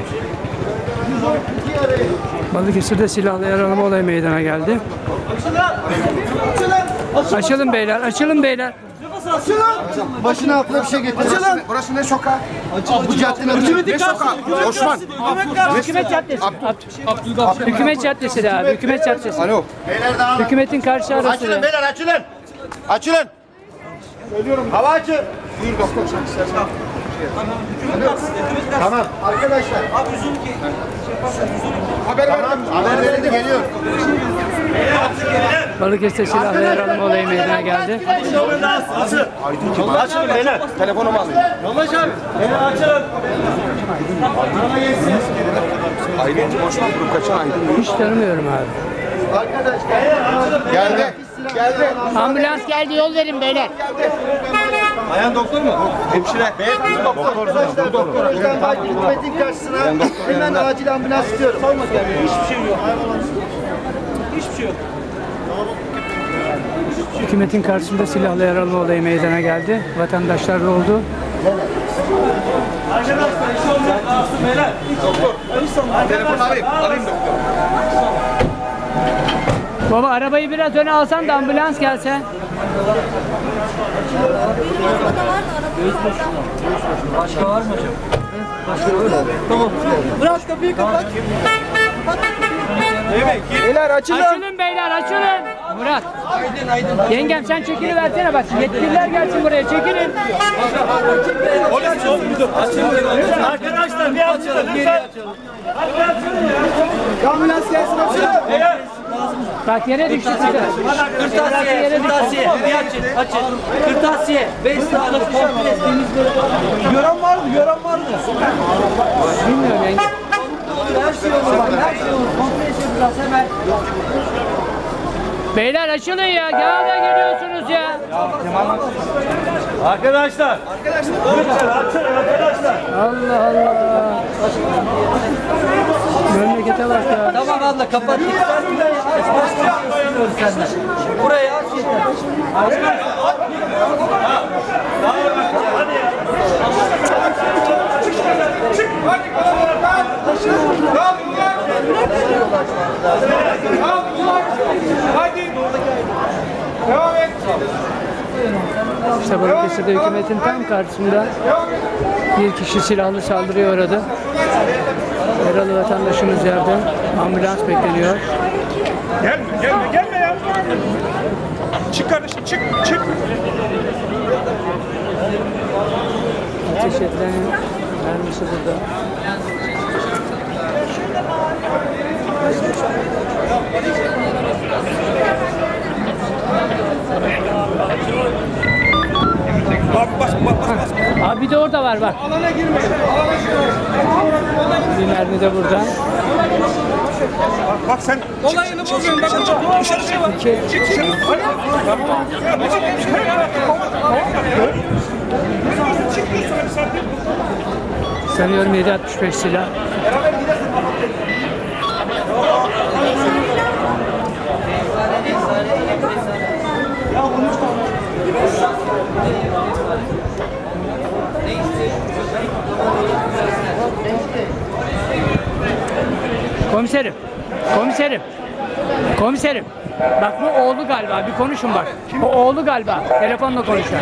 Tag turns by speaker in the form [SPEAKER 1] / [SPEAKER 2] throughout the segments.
[SPEAKER 1] Balıkesir'de silahlı yaralama olayı meydana geldi. Açılın beyler, açılın beyler.
[SPEAKER 2] Başına altına bir şey getir.
[SPEAKER 3] Burası ne sokağı?
[SPEAKER 2] Bu caddenin adı
[SPEAKER 3] Ne sokağı? Osman.
[SPEAKER 1] Hükümet Caddesi. Hükümet Caddesi de abi, Hükümet Caddesi.
[SPEAKER 3] Alo.
[SPEAKER 1] Hükümetin karşı arası.
[SPEAKER 2] Açılın beyler, açılın. Açılın. Söylüyorum. Hava açın.
[SPEAKER 3] Buyur doktor sen istersen.
[SPEAKER 2] Tamam. Arkadaşlar.
[SPEAKER 3] Haber verdim.
[SPEAKER 2] Haber verildi, geliyor.
[SPEAKER 1] Balıkesir'de silahlı yaralama olayı meydana geldi.
[SPEAKER 2] Açılın beyler.
[SPEAKER 3] Telefonumu alayım.
[SPEAKER 2] Yoldaş abi. Beyler açılın.
[SPEAKER 3] Aydın'cım Osman grup kaçan Aydın.
[SPEAKER 1] Hiç tanımıyorum abi.
[SPEAKER 2] Arkadaşlar.
[SPEAKER 3] Geldi. Geldi.
[SPEAKER 1] Ambulans geldi, yol verin beyler.
[SPEAKER 2] Ayhan doktor mu? Hemşire. Beyefendi doktor. Arkadaşlar doktor Özden Bayt hükümetin karşısına hemen acil ambulans istiyorum. Hiçbir şey yok. Hiçbir şey yok.
[SPEAKER 1] Hükümetin karşısında silahlı yaralama olayı meydana geldi. Vatandaşlar da oldu.
[SPEAKER 2] Arkadaşlar iş olmak lazım beyler. Doktor.
[SPEAKER 3] Telefonu alayım. Alayım doktor.
[SPEAKER 1] Baba arabayı biraz öne alsan da ambulans gelse.
[SPEAKER 4] Başka var mı hocam? Başka var mı? Tamam. Bırak kapıyı kapat.
[SPEAKER 2] Beyler açılın.
[SPEAKER 1] Açılın beyler, açılın. Murat. Yengem sen çekini versene bak. Yetkililer gelsin buraya, çekilin.
[SPEAKER 2] Arkadaşlar bir açılın lütfen. Ambulans gelsin açılın.
[SPEAKER 1] Bak yere düştü size.
[SPEAKER 4] Kırtasiye, kırtasiye. Açın. Kırtasiye. 5 saatlik komple temizliği.
[SPEAKER 2] Gören var mı? Gören var mı?
[SPEAKER 1] Bilmiyorum yenge.
[SPEAKER 4] Her şey olur bak. Her şey olur. Komple yapacağız hemen.
[SPEAKER 1] Beyler açılın ya. Gene geliyorsunuz ya.
[SPEAKER 2] Arkadaşlar. Lütfen açılın arkadaşlar.
[SPEAKER 1] Allah Allah. Memlekete bak ya.
[SPEAKER 4] Tamam abla kapat. Burayı aç yeter.
[SPEAKER 1] İşte Balıkesir'de hükümetin tam karşısında bir kişi silahlı saldırıya uğradı. Yaralı vatandaşımız yerde. Ambulans bekleniyor.
[SPEAKER 5] Gelme ya. Çık kardeşim, çık.
[SPEAKER 1] Ateş edilen mermisi burada.
[SPEAKER 5] Bas.
[SPEAKER 1] Abi bir de orada var bak.
[SPEAKER 5] Alana girme.
[SPEAKER 1] Bir mermi de burada.
[SPEAKER 5] Bak sen. Olayını bozuyorsun. Bak dışarı şey var. Çık dışarı.
[SPEAKER 1] Sanıyorum 7.65 silah. Komiserim. Bak bu oğlu galiba. Bir konuşun bak. O oğlu galiba. Telefonla konuşuyor.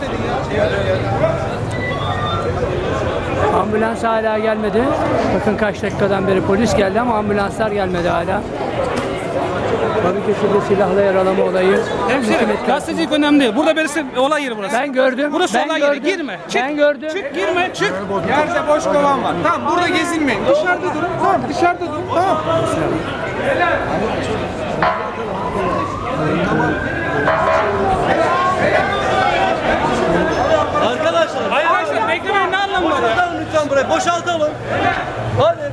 [SPEAKER 1] Ambulans hala gelmedi. Bakın kaç dakikadan beri polis geldi ama ambulanslar gelmedi hala. Balıkesir'de silahla yaralama olayı.
[SPEAKER 6] Hemşerim, gazetecilik önemli değil. Burada birisi olay yeri burası.
[SPEAKER 1] Ben gördüm.
[SPEAKER 6] Burası
[SPEAKER 1] ben
[SPEAKER 6] olay
[SPEAKER 1] gördüm.
[SPEAKER 6] yeri. Girme. Çık.
[SPEAKER 1] Ben gördüm.
[SPEAKER 6] Çık, girme, çık. Yerde boş kovan var. Tamam, burada gezinmeyin. Dışarıda durun. Tamam, dışarıda durun. Tamam.
[SPEAKER 2] Arkadaşlar.
[SPEAKER 6] Arkadaşlar beklemeyin, ne anlamı var ya?
[SPEAKER 2] Boşaltalım lütfen burayı. Boşaltalım. Hadi.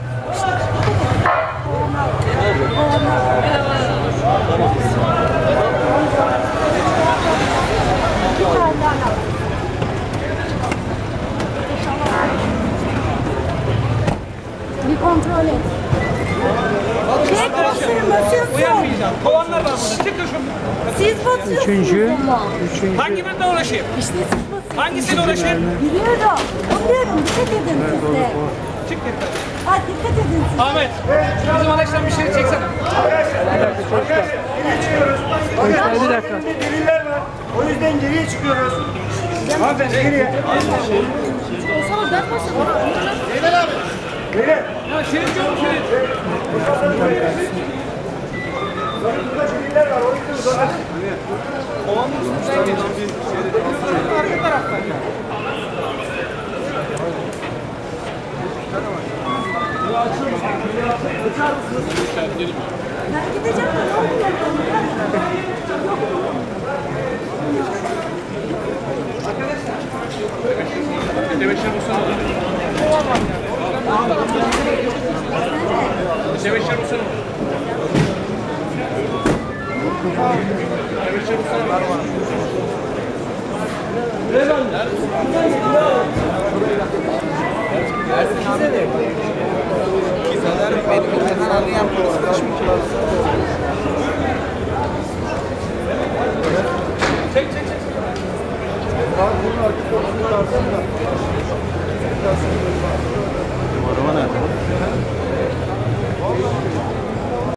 [SPEAKER 7] Bir kontrol et. Çek basıyorsun.
[SPEAKER 6] Uyanmayacağım. Kovanlar var burada. Çıkın şuradan.
[SPEAKER 7] Siz basıyorsunuz ama.
[SPEAKER 1] Üçüncü.
[SPEAKER 6] Hangi birine uğraşayım?
[SPEAKER 7] İşte siz basıyorsunuz.
[SPEAKER 6] Hangisiyle uğraşayım?
[SPEAKER 7] Biliyorum. Biliyorum. Dikkat edin siz de.
[SPEAKER 6] Çık yeter.
[SPEAKER 7] Ay dikkat edin.
[SPEAKER 6] Ahmet, bizim Alex'ten bir şey çeksene.
[SPEAKER 1] Bir dakika.
[SPEAKER 2] Deliller var. O yüzden geriye çıkıyoruz. Hanımefendi geriye.
[SPEAKER 6] Ya Şerif yok mu Şerif?
[SPEAKER 2] Deliller var. O yüzden
[SPEAKER 6] Arka taraftan.
[SPEAKER 7] Ben gideceğim de ne oluyor?
[SPEAKER 6] Tebeşir bulsana. Tebeşir bulsana. Tebeşir bulsana. Çek çek çek.